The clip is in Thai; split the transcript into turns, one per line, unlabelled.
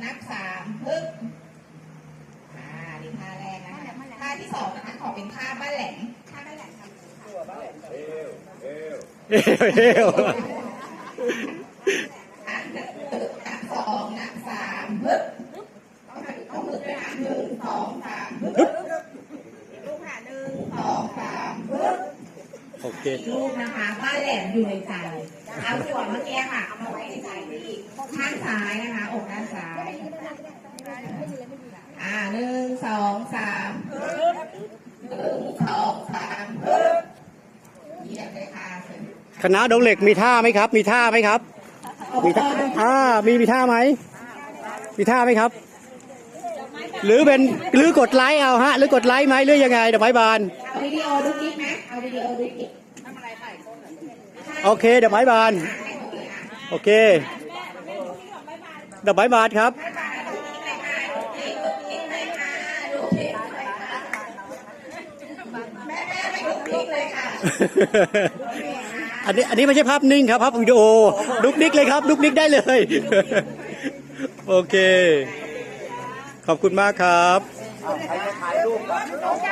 นับสามปึ๊บนี่ท่าแรกนะคะท่าที่สองนะคะขอเป็นท่าบ้านแหลมท่าบ้านแหลมค่ะนับสองนับสามปึ๊บต้องมือด้วยนะหนึ่งสองสามปึ๊บลูกค่ะหนึ่งสองสามปึ๊บ
โอเค
ลูกนะคะบ้านแหลมอยู่ในใจเอาส่วนเมื่อกี้ค่ะเอามาไว้ในใจที่ข้างซ้ายนะคะอกด้านซ้ายหนึ่งสองสามหนึ่งสองสามเยี่ยมเลยค่ะ
คณะดงเหล็กมีท่าไหมครับมีท่าไหมครับมีท่ามีท่าไหมมีท่าไหมครับหรือกดไลค์เอาฮะหรือกดไลค์ไหมหรือยังไงดอกไม้บาน
เอาวิดีโอดูคลิปไหมเอาวิดีโอดูคลิป
โอเคดอกไม้บานโอเคดอกไม้บานครับอันนี้ไม่ใช่ภาพนิ่งครับภาพวิดีโอลุกนิกเลยครับลุกนิกได้เลยโอเคขอบคุณมากครับ
ใครจะถ่ายรูปกับน้อง